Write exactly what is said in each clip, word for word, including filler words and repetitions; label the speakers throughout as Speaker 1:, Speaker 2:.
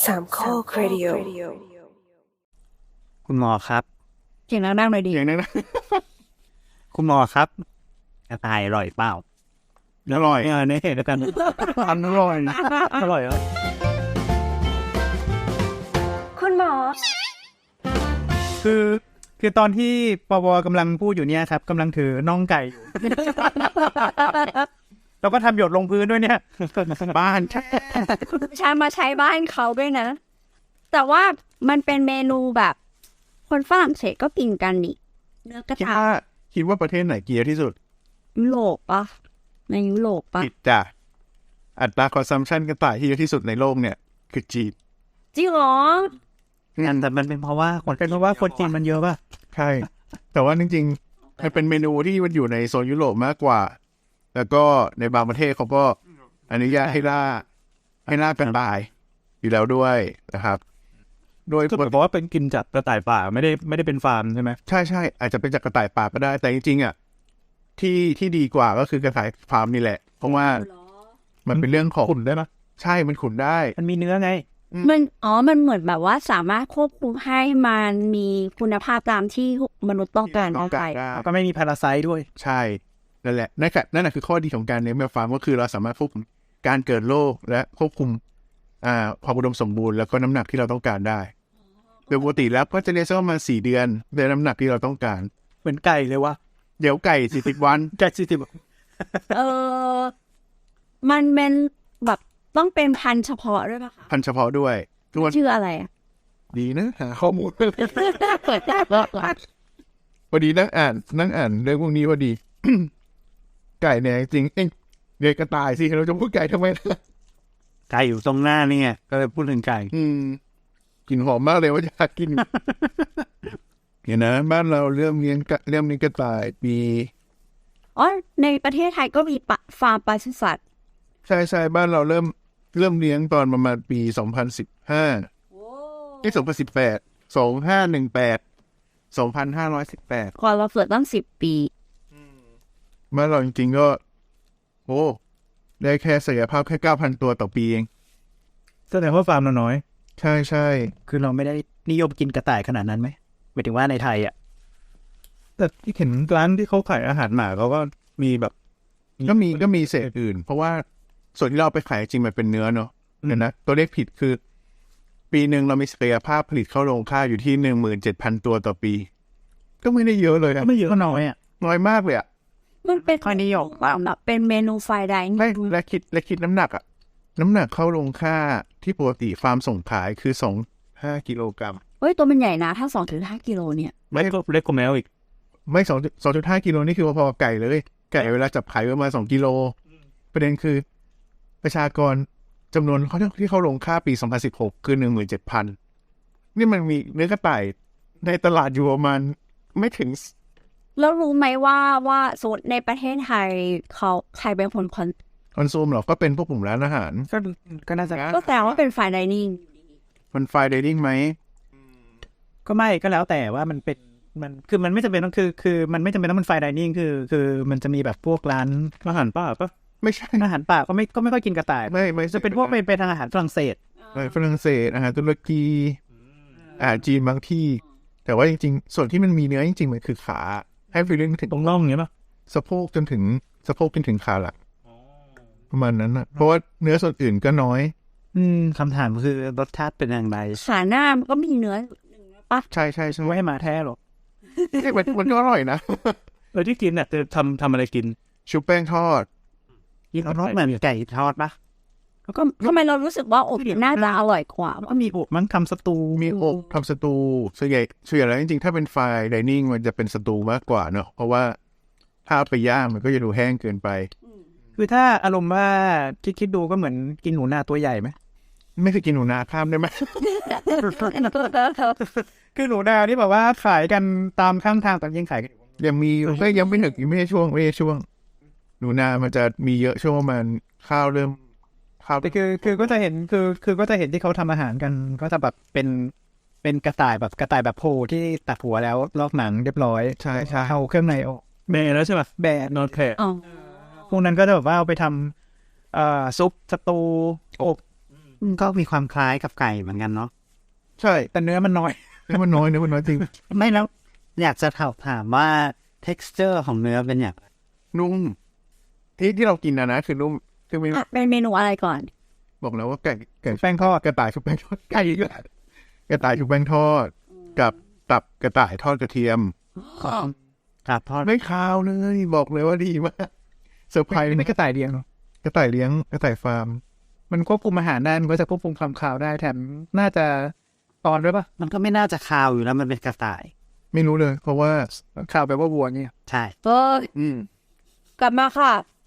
Speaker 1: สามข้อครดิโอ
Speaker 2: คุณหมอครับ
Speaker 3: เสียงดังๆหน่อยดิ
Speaker 2: เสียงดังๆคุณหมอครับกระต่ายอร่อยเปล่าอร่อยเออเนี่ยเห็นแล้วกันทำอร่อยนะอร่อยเหรอ
Speaker 1: คุณหมอ
Speaker 4: คือคือตอนที่ปวกำลังพูดอยู่เนี่ยครับกำลังถือน่องไก่อยู่ แล้วก็ทำหยดลงพื้นด้วยเนี่ยบ้าน
Speaker 3: ใช้มาใช้บ้านเขาด้วยนะแต่ว่ามันเป็นเมนูแบบคนฝรั่งเศสก็กินกันนี่เนื้อกระต่าย
Speaker 5: คิดว่าประเทศไหนเกียร์ที่สุด
Speaker 3: ยุโรปปะในยุโรปปะ
Speaker 5: ผิดจ้ะอัตราคอนซัมชันกระต่ายที่เยอะที่สุดในโลกเนี่ยคือจีน
Speaker 3: จริงเหรอ
Speaker 4: งั้นแต่มันเป็นเพราะว่าคนเป็นเพราะว่าคนจีนมันเยอะป่ะ
Speaker 5: ใช่แต่ว่าจริงๆมันเป็นเมนูที่มันอยู่ในโซนยุโรปมากกว่าแล้วก็ในบางประเทศเขาก็อนุญาตให้ล่าให้ล่ากันตายอยู่แล้วด้วยนะครับ
Speaker 4: โดยเพราะว่าเป็นกินจากกระต่ายป่าไม่ได้ไม่ได้เป็นฟาร์มใช่ไหม
Speaker 5: ใช่ใช่อาจจะเป็นจากกระต่ายป่าก็ได้แต่จริงๆอ่ะที่ที่ดีกว่าก็คือกระต่ายฟาร์มนี่แหละเพราะว่ามันเป็นเรื่องของ
Speaker 4: ขุนได้ไหม
Speaker 5: ใช่มันขุนได้
Speaker 4: มันมีเนื้อไง
Speaker 3: มันอ๋อมันเหมือนแบบว่าสามารถควบคุมให้มันมีคุณภาพตามที่มนุษย์ต้องการได้
Speaker 4: ก็ไม่มีพาราไซต์ด้วย
Speaker 5: ใช่นั่นแหละนั่นแหละนั่นแหละคือข้อดีของการเลี้ยงแมวฟาร์มก็คือเราสามารถควบคุมการเกิดโรคและควบคุมอ่าความอุดมสมบูรณ์แล้วก็น้ำหนักที่เราต้องการได้โดยปกติแล้วก็จะเลี้ยงสักประมาณสี่เดือนได้น้ำหนักที่เราต้องการ
Speaker 4: เหมือนไก่เลยวะ
Speaker 5: เดี๋ยวไก่สี่สิบวัน
Speaker 4: ไก่สี่สิบ
Speaker 3: เออมันเป็นแบบต้องเป็นพันธุ์เฉพาะด้วยป่ะคะ
Speaker 5: พันธุ์เฉพาะด้วย
Speaker 3: ชื่ออะไรอ่ะ
Speaker 5: ดีนะหาข้อมูลพอดีนั่งอ่านนั่งอ่านเรื่องพวกนี้พอดี ไก่เนี่ยจริงเอ้ยเด็กกระต่ายสิเราจะพูดไก่ทำไมล่ะ
Speaker 4: ไก่อยู่ตรงหน้านี่ไงก็เลยพูดถึงไก่
Speaker 5: อืมกลิ่นหอมมากเลยว่าอยากกินเห็นนะบ้านเราเริ่มเลี้ยงเริ่มเลี้ยงกระต่ายปี
Speaker 3: อ๋อในประเทศไทยก็มีฟาร์มปศุสัตว์
Speaker 5: ใช่ใช่บ้านเราเริ่มเริ่มเลี้ยงตอนประมาณปีสองพันสิบห้าที่สองพันสิบแปดสองห้าหนึ่งแปดสองพันห้าร้อยสิบแปด
Speaker 3: ก่อนเราเกิดตั้งสิบปี
Speaker 5: บ้านเราจริงๆก็โอ้ได้แค่ศักยภาพแค่เก้าพันตัวต่อปีเอง
Speaker 4: แสดงว่าฟาร์มเราน้อย
Speaker 5: ใช่ใช่
Speaker 4: คือเราไม่ได้นิยมกินกระต่ายขนาดนั้นไหมหมายถึงว่าในไทยอ่ะแต่ที่เห็นร้านที่เขาขายอาหารหมาเขาก็มีแบบ
Speaker 5: ก็มีก็มีเศษอื่นเพราะว่าส่วนที่เราไปขายจริงมันเป็นเนื้อเนาะเห็นนะตัวเลขผิดคือปีหนึ่งเรามีศักยภาพผลิตเข้าโรงฆ่าอยู่ที่หนึ่งหมื่นเจ็ดพันตัวต่อปีก็ไม่ได้เยอะเลย
Speaker 4: อะไม่เยอะก็น้อยอ่ะ
Speaker 5: น้อยมากเลยอ่ะ
Speaker 3: มันเป็นคอนดิโยกแบบเป็นเมนูไฟไดน์
Speaker 5: ไม่และคิดและคิดน้ำหนักอ่ะน้ำหนักเข้าโรงฆ่าที่ปกติฟาร์มส่งขายคือสองห้ากิโลกรัม
Speaker 3: เฮ้ยตัวมันใหญ่นะถ้าสองถึงห้ากิโลเนี่ย
Speaker 4: ไม่ก็เล็กกว่าแมวอีก
Speaker 5: ไม่สองสองจุดห้ากิโลนี่คือพอๆไก่เลยไก่เวลาจับขายประมาณสองกิโลประเด็นคือประชากรจำนวนเขาที่เข้าโรงฆ่าปีสองพันสิบหกคือหนึ่งหมื่นเจ็ดพันนี่มันมีเนื้อกระต่ายในตลาดอยู่ประมาณไม่ถึง
Speaker 3: แล้วรู้ไหมว่าว่าสูตรในประเทศไทยเขาใครเป็นคนคอน
Speaker 5: คอนซูมหรอก็เป็นพวกกลุ่มร้านอาหาร
Speaker 4: ก็ก็น่าจะ
Speaker 3: ก็แปลว่าเป็นไฟไดนิ่ง
Speaker 5: มันไฟไดนิ่งไหม
Speaker 4: ก็ไม่ก็แล้วแต่ว่ามันเป็นมันคือมันไม่จำเป็นต้องคือคือมันไม่จำเป็นต้องเป็นไฟไดนิ่งคือคือมันจะมีแบบพวกร้านอาหารป่าปะ
Speaker 5: ไม่ใช่
Speaker 4: อาหารป่าก็ไม่ก็ไม่ค่อยกินกระต่าย
Speaker 5: ไม่ไม่
Speaker 4: จะเป็นพวกเป็นเป็นทางอาหารฝรั่งเศส
Speaker 5: ฝรั่งเศสอาหารตุรกีอาหารจีนบางที่แต่ว่าจริงๆส่วนที่มันมีเนื้อจริงๆมันคือขาให้ฟีลลิ่งถึง
Speaker 4: ตรงน่องอย่างเงี้ยป่ะ
Speaker 5: สะโพกจนถึงสะโพกจนถึงขาหลังประมาณนั้นนะเพราะว่าเนื้อส่วนอื่นก็น้อย
Speaker 4: อืมคำถามคือรสชาติเป็นอย่างไร
Speaker 3: ขาหน้ามันก็มีเนื้อ
Speaker 5: ป่ะใช่ใช่ใช่
Speaker 4: ไม่ให้มาแท้หรอก
Speaker 5: มันมันก็อร่อยนะ
Speaker 4: เออที่กินเนี่ยจะทำทำอะไรกิน
Speaker 5: ชุบแป้งทอด
Speaker 4: กินรสเหมือนไก่ทอดปะ
Speaker 3: แล้วก็ทำไมเรารู้สึกว่าอบน่าจะอร่อยกว่า
Speaker 4: ก็มีอบมั้งทำสตู
Speaker 5: มีอบทำสตูส่วนใหญ่ส่วนใหญ่แล้วจริงๆถ้าเป็นไฟไดนิ่งมันจะเป็นสตูมากกว่าเนอะเพราะว่าถ้าไปย่างมันก็จะดูแห้งเกินไป
Speaker 4: คือถ้าอารมณ์ว่าคิดคิดดูก็เหมือนกินหนูนาตัวใหญ่ไหม
Speaker 5: ไม่เคยกินหนูนาข้ามได้ไหม
Speaker 4: คือหนูนาที่แบบว่าขายกันตามข้างทางแต่ยังขายกัน
Speaker 5: ยังมีก็ยังไม่ถึงไม่ใช่ช่วงไม่ใช่ช่วงหนูนามันจะมีเยอะช่วงประมาณข้าวเริ่มข้าว
Speaker 4: แต่คือคือก็จะเห็นคือคือก็จะเห็นที่เขาทำอาหารกันก็จะแบบเป็นเป็นกระต่ายแบบกระต่ายแบบโพที่ตัดหัวแล้วลอกหนังเรียบร้อย
Speaker 5: ใช่ใช่
Speaker 4: เอาเครื่องในออกแบะแล้วใช่ป่ะแบะนอนแผลพวกนั้นก็จะแบบว่าเอาไปทำเอ่อซุปสตูอบ
Speaker 2: ก็มีความคล้ายกับไก่เหมือนกันเนาะ
Speaker 5: ใช่
Speaker 4: แต่เนื้อมันน้อย
Speaker 5: เนื้อมันน้อยเนื้อมันน้อยจริง
Speaker 2: ไม่แล้วอยากจะถามถามว่า texture ของเนื้อเป็นอย่างไร
Speaker 5: นุ่มที่ที่เรากินนะนะคือนุ่มคือไม่
Speaker 3: อ่ะเป็นเมนูอะไรก่อน
Speaker 5: บอกแล้วว่าไก่ไก่
Speaker 4: แป้งทอด
Speaker 5: กระต่ายชุบแป้งทอดไก่อีกแล้วกระต่ายชุบแป้งทอด กับตับกระต่ายทอดกระเทียม
Speaker 2: ครับทอด
Speaker 5: ไม่คาวเลยบอกเลยว่าดีมากเซอร์ไพรส์
Speaker 4: เป็นกระต่ายเลี้ยงเนาะ
Speaker 5: กระต่ายเลี้ยงกระต่ายฟาร์ม
Speaker 4: มันควบคุมอาหารได้มันก็จะควบคุมความคาวได้แถมน่าจะตอนด้วยปะ
Speaker 2: มันก็ไม่น่าจะคาวอยู่แล้วมันเป็นกระต่าย
Speaker 5: ไม่รู้เลย เพราะว่า
Speaker 4: คาวแปลว่าวัวเนี่ย
Speaker 2: ใช่
Speaker 3: เออ
Speaker 5: อืม
Speaker 3: กลับมาค่ะ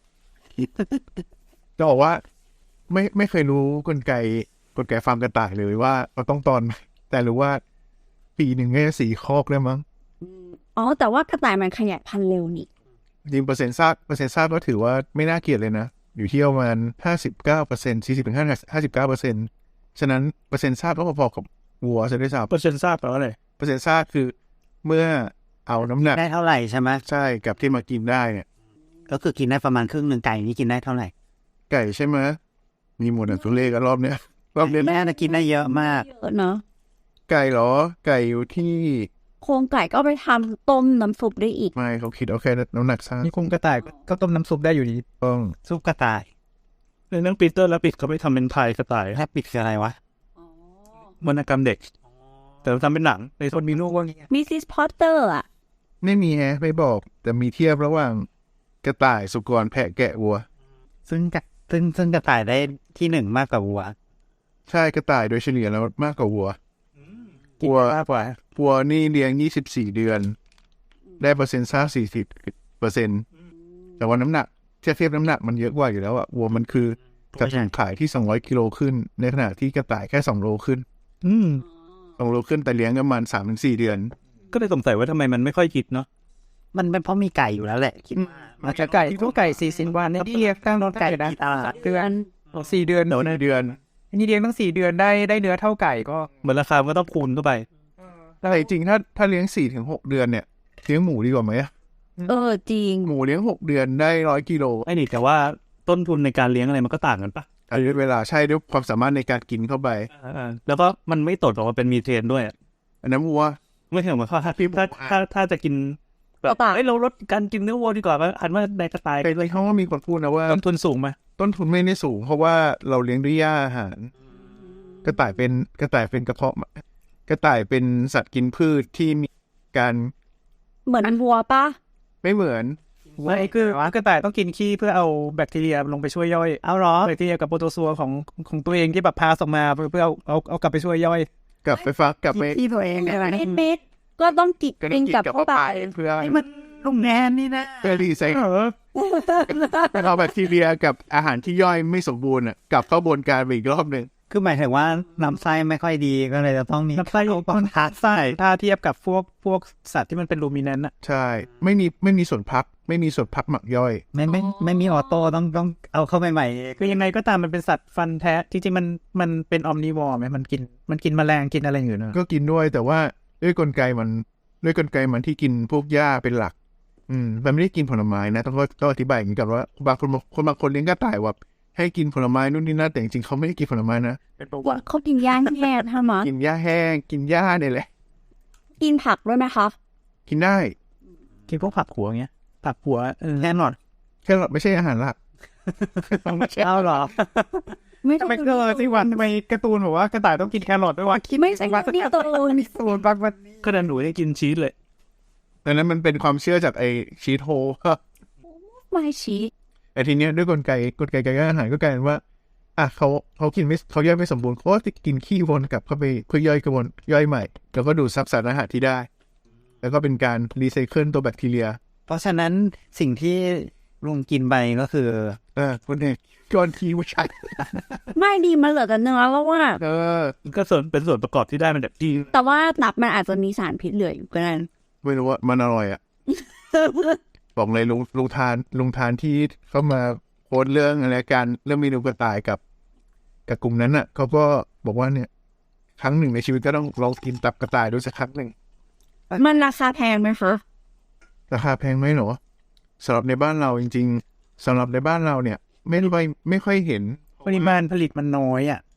Speaker 5: จะบอกว่า ไม่ไม่เคยรู้กลไกกลไกฟาร์มกระต่ายเลยว่าเราต้องตอนไหมแต่รู้ว่า ปีหนึ่งก็จะสี่คอกได้มั้ง
Speaker 3: อ๋อ แต่ว่ากระต่ายมันขยายพันธุ์เร็วนี่
Speaker 5: จริงเปอร์เซ็นต์ซากเปอร์เซ็นต์ซากก็ถือว่าไม่น่าเกลียดเลยนะ อยู่ที่ประมาณห้าสิบเก้าเปอร์เซ็นต์สี่สิบถึงห้าห้าสิบเก้าเปอร์เซ็นต์ฉะนั้นเปอร์เซ็นต์ซากก็พอๆกับวัวซะด้วยซ้
Speaker 4: เปอร์เซ็นต์ทราบแปลว่าอะไร
Speaker 5: ำเปอร์เซ็นต์ซากคือเมื่อเอาน้ำหนัก
Speaker 2: ได้เท่าไหร่ใช่ไหม
Speaker 5: ใช่กับที่มากินได้เนี่ย
Speaker 2: ก็คือกินได้ประมาณครึ่งหนึ่งไก่นี่กินได้เท่าไหร่
Speaker 5: ไก่ใช่ไหมมีหมดอ่ะตัวเลขกันรอบเนี้ยรอบเนี้ย
Speaker 2: แม่น่ะกินได้เยอะมาก
Speaker 3: เยอะเนาะ
Speaker 5: ไก่เหรอ ไก่อยู่ที่
Speaker 3: โครงไก่ก็ไปทำต้มน้ำซุปได้อีก
Speaker 5: ไม่เขาคิดเอาแค่น้ำหนักซาก
Speaker 4: นี่คุมกระต่ายก็ต้มน้ำซุปได้อยู่ดี
Speaker 5: ต้อง
Speaker 2: ซุปกระต่าย
Speaker 6: ในเรื่องปีเตอร์และปิดเขาไปทำเป็นพายกระต่าย
Speaker 2: แทบปิดคืออะไรวะ
Speaker 6: วรรณกรรมเด็ก แต่ทำเป็นหนังใน
Speaker 4: คนมีลูกว่างี้
Speaker 3: มิสซิสพอตเตอร์อ่ะ
Speaker 5: ไม่มีแฮะไม่บอก แต่มีเทียบระหว่างกระต่ายสุกรแพะแกะวัว
Speaker 2: ซึ่งกะซึ่งซึ่งกระต่ายได้ที่หนึ่งมากกว่าวัว
Speaker 5: ใช่กระต่ายโดยเฉลี่ยแล้วมากกว่าวัว
Speaker 4: กิน
Speaker 5: วัว
Speaker 4: มากกว่า
Speaker 5: วัวนี่เลี้ยงยี่สิบสี่เดือน ได้เปอร์เซ็นต์ซากสี่สิบเปอร์เซ็นต์แต่ว่าน้ำหนักเทียบเทียบน้ำหนักมันเยอะกว่าอยู่แล้วอะวัวมันคือกระต่ายขายที่สองร้อยกิโลขึ้น ในขณะที่กระต่ายแค่สองโลขึ้น
Speaker 6: อืม
Speaker 5: สองโลขึ้นแต่เลี้ยงประมาณสามถึงสี่เดือน
Speaker 6: ก็เลยสงสัยว่าทำไมมันไม่ค่อยคิดเนาะ
Speaker 2: มันเป็นเพราะมีไก่อยู่แล้วแหละคิดว่า
Speaker 4: มันจะไก่ทุกไก่สี่สิบวันเนี่ยที่เลี้ยงตั้งไก่นะ
Speaker 2: ตลาด
Speaker 4: เดือนสี่เดือน
Speaker 5: เดี๋ยวในเดือน
Speaker 4: อันนี้เลี้ยงตั้งสี่เดือนได้ได้เนื้อเท่าไก่ก็
Speaker 6: เหมือนราคามันก็ต้องคูณเข้าไป
Speaker 5: แต่จริงๆถ้าถ้าเลี้ยงสี่ถึงหกเดือนเนี่ยเลี้ยงหมูดีกว่าไหมอะ
Speaker 3: เออ จริง
Speaker 5: หมูเลี้ยงหกเดือนได้ร้อยกิโล
Speaker 6: ไอ้นี่แต่ว่าต้นทุนในการเลี้ยงอะไรมันก็ต่างกันปะ
Speaker 5: อายุเวลาใช่ด้วยความสามารถในการกินเข้าไป
Speaker 6: อ่าๆแล้วก็มันไม่ตดออกมาเป็นมีเทนด้วยอะ
Speaker 5: อันนั้นวัว
Speaker 6: ไม่ใช่เหมือนข้อถ้าถ้าถ้าถ้าจะกินแบบ
Speaker 3: กระต่าย
Speaker 6: เอ้ยเราลดการกินเนื้อวัวดีกว่าว่าหันว่าในกระต่าย
Speaker 5: แต่เขาว่ามีคนพูดนะว่า
Speaker 6: ต้นทุนสูงไหม
Speaker 5: ต้นทุนไม่ได้สูง เพราะว่าเราเลี้ยงด้วยหญ้าอาหาร กระต่ายเป็นกระต่ายเป็นกระเพาะกระต่ายเป็นสัตว์กินพืชที่มีการ
Speaker 3: เหมือนวัวปะ
Speaker 5: ไม่เหมือน
Speaker 4: ไม่คือกระต่ายต้องกินขี้เพื่อเอาแบคทีเรียลงไปช่วยย่อย
Speaker 2: เอาเหรอ
Speaker 4: แบคทีเรียกับโปรโตซัวของของตัวเองที่แบบพาออกมาเพื่อเพื่อเอาเอาเอากลับไปช่วยย่อย
Speaker 5: กลับไปฟักกลับไป
Speaker 2: ที่ตัวเองใช่ไหม
Speaker 3: เม็ดเม็ดๆก็ต้องกิน
Speaker 5: ก็ต้
Speaker 3: กิ
Speaker 5: อง
Speaker 3: น
Speaker 5: กิน
Speaker 3: กับ
Speaker 5: กับ
Speaker 3: เข้า
Speaker 5: เข้า
Speaker 3: ไป
Speaker 5: ไปเพื่อ
Speaker 2: นี่มันลุงแนนนี่นะ
Speaker 5: เพื่อรีไซเคิลเอาแบคทีเรียกับอาหารที่ย่อยไม่สมบูรณ์อ่ะกลับเข้าบวนการไปอีกรอบหนึ่ง
Speaker 2: คือหมายถึงว่าลำไส้ไม่ค่อยดีก็เลยจะต้องมี
Speaker 4: ลำไส้ของ
Speaker 2: ต้องทาไส้
Speaker 4: ถ้าเทียบกับพวกพวกสัตว์ที่มันเป็นลูมิเนนต์อะ
Speaker 5: ใช่ ไม่มีไม่มีส่วนพัก ไม่มีส่วนพักหมักย่อย
Speaker 2: ไม่ไม่ไม่มีออโต้ต้องต้องเอาเข้าไปใหม่
Speaker 4: คือยังไงก็ตามมันเป็นสัตว์ฟันแท้จริงๆมันมันเป็นออมนิวอร์ไหมมันกินมันกินแมลงกินอะไรอยู่เนอะ
Speaker 5: ก็กินด้วยแต่ว่าด้วยกลไกมันด้วยกลไกมันที่กินพวกหญ้าเป็นหลัก อืมมันไม่ได้กินผลไม้นะต้องต้องอธิบายอย่างนี้ก่อนว่าบางคนคนบางคนเลี้ยงกระต่ายว่าให้กินผลไม้นู่นนี่นั่นแต่จริงๆเขาไม่ได้กินผลไม้นะ
Speaker 4: เป็นประวั
Speaker 3: ว่า
Speaker 4: ติ
Speaker 3: เขากินย่างแห้งใช่ไหม
Speaker 5: กินหญ้าแห้งกินหญ้าเนี่ยแหละ
Speaker 3: กินผักด้วยไหมคะ
Speaker 5: กินได้
Speaker 4: กินพวกผักหัวเงี้ยผักหัวเออ
Speaker 2: แน่นอน
Speaker 5: แค่ไม่ใช่อาหารหลัก
Speaker 4: ไม่ใช่เอาหรอ
Speaker 3: ไม่
Speaker 4: ทำไมเออสิวันทำไมการ์ตูนบอกว่ากระต่ายต้องกินแครอทด้วยวะคิด
Speaker 3: ไม่ใช่นี่ตัว
Speaker 4: สูตรบางวัน
Speaker 6: ก็ดันหนูให้กินชีสเลย
Speaker 5: ดังนั้นมันเป็นความเชื่อจากไอชีทโฮ
Speaker 3: ไม่ชี้
Speaker 5: แต่ทีเนี้ยด้วยกลไกกลไกการย่อยอาหารก็กลายเป็นว่าอ่ะเขาเขากินไม่เขาย่อยไม่สมบูรณ์เขาก็จะกินขี้วนกลับเข้าไปเพื่อย่อยกระบวนย่อยใหม่ แล้วก็ดูดซับสารอาหารที่ได้ แล้วก็เป็นการรีไซเคิลตัวแบคทีเรีย
Speaker 2: เพราะฉะนั้นสิ่งที่ลุงกินไปก็คือ
Speaker 5: เออคุณเอกก่อนทีว่าใช่
Speaker 3: ไม่ดีมันเหลือแต่เนื้อแล้วว่า
Speaker 5: เออ
Speaker 6: มันก็ส่วนเป็นส่วนประกอบที่ได้มันแบบดี
Speaker 3: แต่ว่าตับมันอาจจะมีสารพิษเหลืออยู่ก็ได้
Speaker 5: ไม่รู้ว่ามันอร่อยอ่ะ บอกเลยลุงลุงทานลุงทานที่เข้ามาโพสต์เรื่องอะไรการเรื่องเมนูกระต่ายกับกับกลุ่มนั้นอ่ะเขาก็บอกว่าเนี่ย ครั้งหนึ่งในชีวิตก็ต้องลองกินตับกระต่ายดูสักครั้งหนึ่ง
Speaker 3: มันราคาแพงไหมคะ
Speaker 5: ราคาแพงไหมหรอสำหรับในบ้านเราจริงๆสำหรับในบ้านเราเนี่ย ไม่ค่อยไม่ค่อยเห็น
Speaker 4: ปริมาณผลิตมันน้อยอ่ะ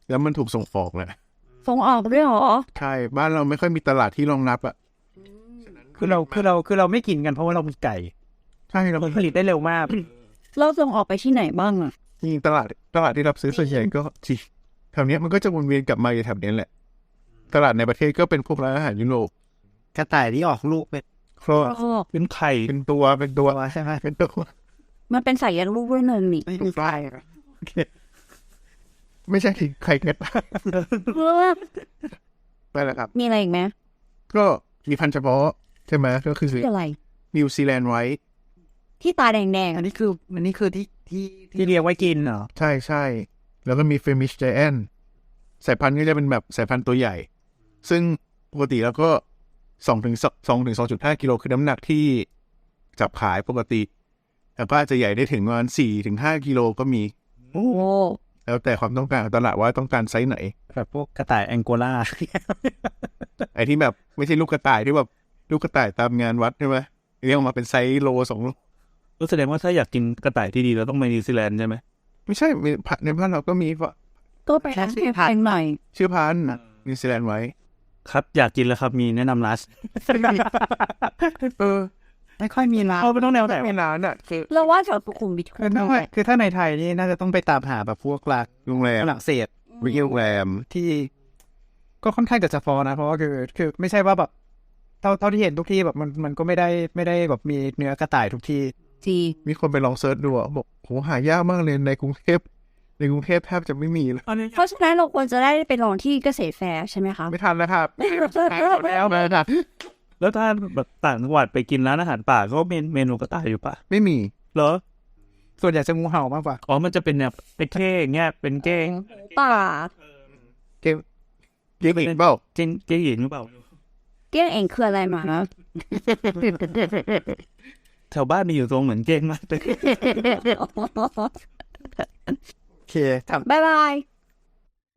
Speaker 5: แล้วมันถูกส่งออกแหละ
Speaker 3: ส่งออกด้วยเหรอ
Speaker 5: ใช่บ้านเราไม่ค่อยมีตลาดที่รองรับอ่ะ
Speaker 4: คือเราคือเราคือเราไม่กินกันเพราะว่าเรามีไก่
Speaker 5: ใช่เรา
Speaker 4: ผลิตได้เร็วมาก
Speaker 3: เราส่งออกไปที่ไหนบ้างอะ
Speaker 5: จริงๆตลาดตลาดที่รับซื้อส่วนใหญ่ก็จีแถวเนี้ยมันก็จะวนเวียนกลับมาอยู่แถวเนี้ยแหละตลาดในประเทศก็เป็นพวกร้านอาหารยุโรป
Speaker 2: กระต่ายที่ออกลูกเป็น
Speaker 5: ครอ
Speaker 3: โอ้
Speaker 6: เป็นไข่
Speaker 5: เป็นตัวเป็นตัว
Speaker 2: ใช่ไหม
Speaker 5: เป็นตัว
Speaker 3: มันเป็นสายยันลูกด้วยหนึ่งนี่
Speaker 2: ไม่มีไฟ
Speaker 5: ไม่ใช่ไข่เก็ดไปแล้วครับ
Speaker 3: มีอะไรอีกไหม
Speaker 5: ก็มีพันธุ์เฉพาะใช่ไหมก็คือ
Speaker 3: คืออะไร
Speaker 5: นิวซีแลนด์ไว้
Speaker 3: ที่ตาแดง
Speaker 2: อันนี้คืออันนี้คือที่ที่
Speaker 4: ที่เลี้ยงไว้กินเหรอ
Speaker 5: ใช่ใช่แล้วก็มีเฟมิชไจแอนสายพันธุ์ก็จะเป็นแบบสายพันธุ์ตัวใหญ่ ซึ่งปกติแล้วก็สองถึงสองถึงสองจุดห้ากิโลคือน้ำหนักที่จับขายปกติแต่ก็อาจจะใหญ่ได้ถึงประมาณสี่ถึงห้ากิโลก็มี
Speaker 3: ๆ โอ้
Speaker 5: แล้วแต่ความต้องการของตลาดว่าต้องการไซส์ไหน
Speaker 4: แบบพวกกระต่ายแองโกลา
Speaker 5: ไอ้ที่แบบไม่ใช่ลูกกระต่ายที่แบบลูกกระต่ายตามงานวัดใช่ไหมเรียกออกมาเป็นไซส์โลสองโล
Speaker 6: ก็แสดงว่าถ้าอยากกินกระต่ายที่ดีเราต้องไปนิวซีแลนด์ใช่ไหม
Speaker 5: ไม่ใช่มีในบ้านเราก็มีว่า
Speaker 3: ก็ไปร้านแพงหน่อย
Speaker 5: ชื่อพันธุ์นิวซีแลนด์ไว้
Speaker 6: ครับอยากกินแล้วครับมีแนะนำร้าน
Speaker 5: เออ
Speaker 2: ไม่ค่อยมีร้าน
Speaker 6: เอาไปต้องแนวไหน
Speaker 5: ไม่นานอ่ะคือ
Speaker 3: เราว่าแถวสุขุมวิท
Speaker 4: คือถ้าคือถ้าในไทยนี่น่าจะต้องไปตามหาแบบพวกร้าน
Speaker 5: โรงแรม
Speaker 4: ฝรั่งเศส
Speaker 5: วิโรงแรม
Speaker 4: ที่ก็ค่อนข้างจะเฉพาะนะ เพราะว่าคือคือไม่ใช่ว่าแบบเท่าเท่าที่เห็นทุกที่แบบมันมันก็ไม่ได้ไม่ได้แบบมีเนื้อกระต่ายทุกที่
Speaker 3: จี
Speaker 5: มีคนไปลองเซิร์ชดูอ่ะบอกโหหายากมากเลยในกรุงเทพในกรุงเทพแทบจะไม่มีเลย
Speaker 3: เพราะฉะนั้นเราควรจะได้ไปลองที่เกษตรแฟร์ใช่ไหมคะ
Speaker 5: ไม่ทันแล้วครับ
Speaker 3: แล้ว
Speaker 5: ไม่ทัน
Speaker 6: แล้วถ้าแบบต่างจังหวัดไปกินร้านอาหารป่าก็เมนเมนูกระต่ายอยู่ป่ะ
Speaker 5: ไม่มี
Speaker 6: เหรอ
Speaker 4: ส่วนใหญ่จะงูเห่ามากกว่า
Speaker 6: อ๋อมันจะเป็นแบบเป็นเก้งเงี้ยเป็นเก้ง
Speaker 3: ป่า
Speaker 5: เกมเกมอีกเปล่า
Speaker 6: เก้งเก้งหญิงหรือเปล่า
Speaker 3: เกี้ยงเองคืออะไรมานะ
Speaker 6: แถวบ้านมีอยู่ตรงเหมือนเก้งมากเลย
Speaker 2: โอเคทำ
Speaker 3: บ๊ายบาย